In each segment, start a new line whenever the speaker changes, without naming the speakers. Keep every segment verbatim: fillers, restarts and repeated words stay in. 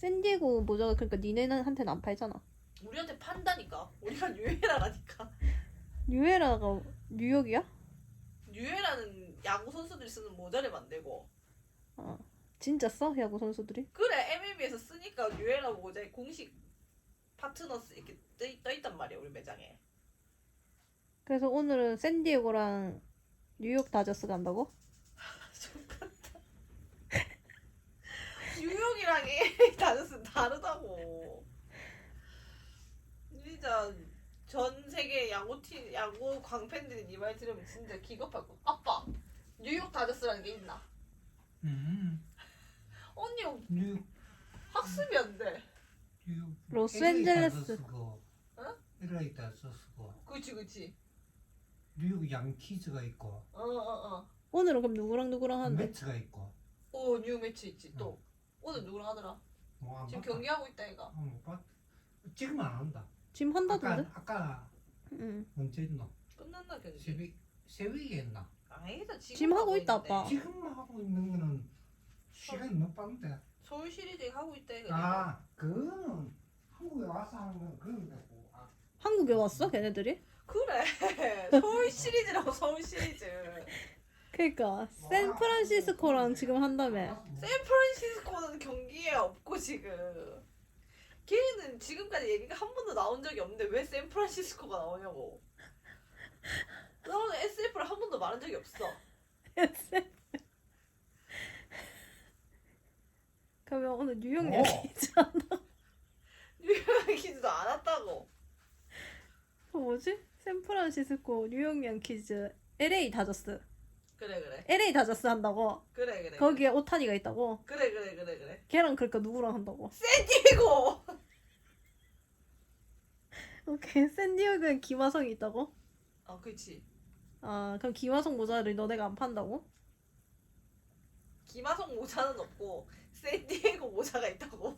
샌디에고 모자가 그러니까 니네한테는 안 팔잖아.
우리한테 판다니까. 우리가 뉴에라라니까.
뉴에라가 뉴욕이야?
뉴에라는 야구 선수들이 쓰는 모자를 만들고.
어. 진짜 써? 야구 선수들이?
그래 엠엘비에서 쓰니까 뉴에라 모자에 공식 파트너스 이렇게 떠, 떠 있단 말이야 우리 매장에.
그래서 오늘은 샌디에고랑 뉴욕 다저스 간다고?
똑같다. 뉴욕이랑 엘에이 다저스는 다르다고. 진짜 전 세계 야구팀 야구 광팬들이 네 말 들으면 진짜 기겁할 거. 아빠 뉴욕 다저스라는 게 있나?
음.
언니
뉴욕
학습이 안 돼.
뉴욕
로스앤젤레스.
어?
엘에이 다저스고
그치 그치.
뉴욕 양키즈가 있고
어어어. 어,
오늘은 그럼 누구랑 누구랑 하는데?
매츠가 있고
어. 뉴 매치 있지 또. 오늘 누구랑 하더라?
뭐안
지금
봤다.
경기하고 있다 얘가.
어, 못 봤. 지금 안 한다.
지금
아까
한다던데?
아까
응.
언제 했노?
끝났나 경기?
새벽 새벽에 했나?
아니다 지금,
지금 하고 있다,
있는데.
아빠.
지금 하고 있는 거는 시간이 못 봤는데.
서울 시리즈 하고 있다 얘가.
아 그거는 한국에 와서 하는 건 그런 거고. 아,
한국에 왔어? 걔네들이?
그래 서울 시리즈라고 서울 시리즈.
그니까 샌프란시스코랑 지금 한다며.
샌프란시스코는 경기에 없고 지금. 걔는 지금까지 얘기가 한 번도 나온 적이 없는데 왜 샌프란시스코가 나오냐고. 나는 에스에프를 한 번도 말한 적이 없어.
그러면 오늘 뉴욕
어.
얘기지
뉴욕 얘기도 안 왔다고.
어, 뭐지? 샌프란시스코, 뉴욕 양키즈, 엘에이 다저스.
그래 그래
엘에이 다저스 한다고?
그래 그래.
거기에 오타니가 있다고?
그래 그래 그래 그래.
걔랑 그러니까 누구랑 한다고?
샌디에고.
오케이. 샌디에고엔 김하성이 있다고?
아 그렇지.
아 그럼 김하성 모자를 너네가 안 판다고?
김하성 모자는 없고 샌디에고 모자가 있다고.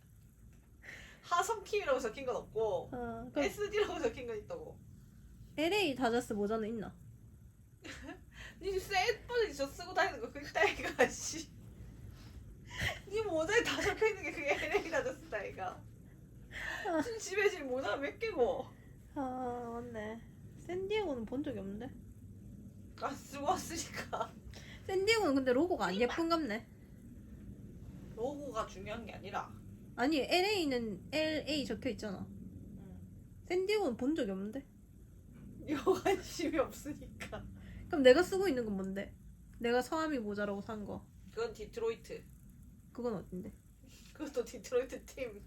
하성킴이라고 적힌 건 없고
아 그럼
에스디라고 적힌 건 있다고.
엘에이 다저스 모자는 있나?
니 샌퍼지 저 쓰고 다니는 거 그게 따위가 씨. 니 모자에 다 적혀 있는 게 그게 엘에이 다저스 따위가. 지금 집에 지금 모자가 몇 개고.
아 맞네. 샌디에고는 본 적이 없는데.
아 쓰고 왔으니까.
샌디에고는 근데 로고가 안 예쁜갑네.
로고가 중요한 게 아니라.
아니 엘에이는 엘에이 적혀 있잖아.
응.
샌디에고는 본 적이 없는데.
이거 관심이 없으니까.
그럼 내가 쓰고 있는 건 뭔데? 내가 서아미 모자라고 산 거.
그건 디트로이트.
그건 어딘데?
그것도 디트로이트 팀.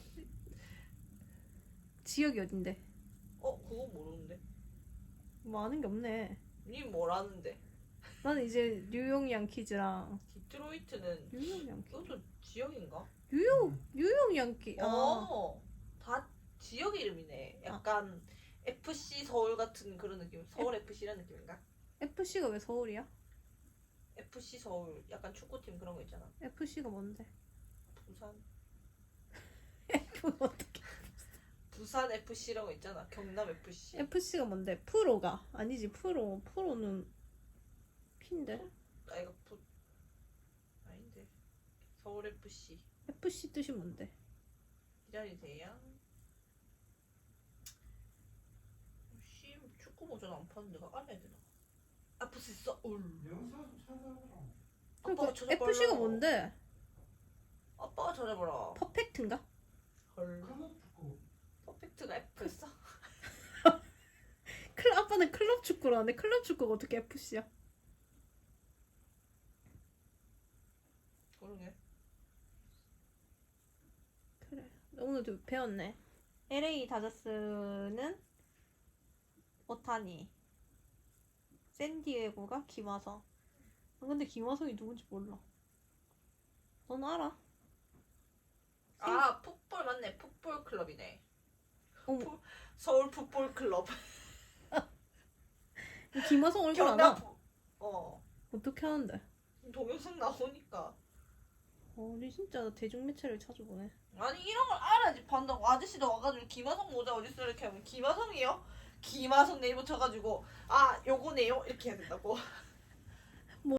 지역이 어딘데?
어 그거 모르는데.
뭐 아는 게 없네.
니 뭐라는데?
나는 이제 뉴욕 양키즈랑
디트로이트는
뉴욕 양키.
그것도 지역인가?
뉴욕 뉴욕 양키. 아
어, 다 지역 이름이네. 약간 에프씨 서울 같은 그런 느낌. 서울 에프씨라는 느낌인가?
에프씨가 왜 서울이야?
에프씨 서울 약간 축구팀 그런 거 있잖아.
에프씨가 뭔데?
부산
F 어떻게?
부산 에프씨라고 있잖아. 경남 에프씨.
에프씨가 뭔데? 프로가 아니지 프로 프로는 P인데.
아 이거 부 아닌데. 서울 에프씨.
에프씨 뜻이 뭔데?
기다리세요. 씨 축구 모자는 안 파는 데가 알아야 되나? 에프씨 서울.
영상 찾아보라.
아빠가
그러니까
찾아봐라.
에프씨가 뭔데?
아빠가 찾아봐라.
퍼펙트인가?
헐.
클럽 축구.
퍼펙트가 F였어?
클 아빠는 클럽 축구를 하는데 클럽 축구가 어떻게 에프씨야?
모르게.
그래. 오늘도 배웠네. 엘에이 다저스는 오타니. 샌디에고가 김하성. 아, 근데 김하성이 누군지 몰라. 넌 알아?
아 풋볼 맞네. 풋볼 클럽이네.
어머.
풋- 서울 풋볼 클럽.
김하성 얼굴
경남
알아?
풋- 어
어떻게 하는데?
동영상 나오니까.
어, 우리 진짜 대중매체를 찾아보네.
아니 이런 걸 알아야지 판다고. 아저씨도 와가지고 김하성 모자 어딨어 이렇게 하면 김하성이요? 김하성 네이버 쳐가지고 아 요거네요 이렇게 해야 된다고.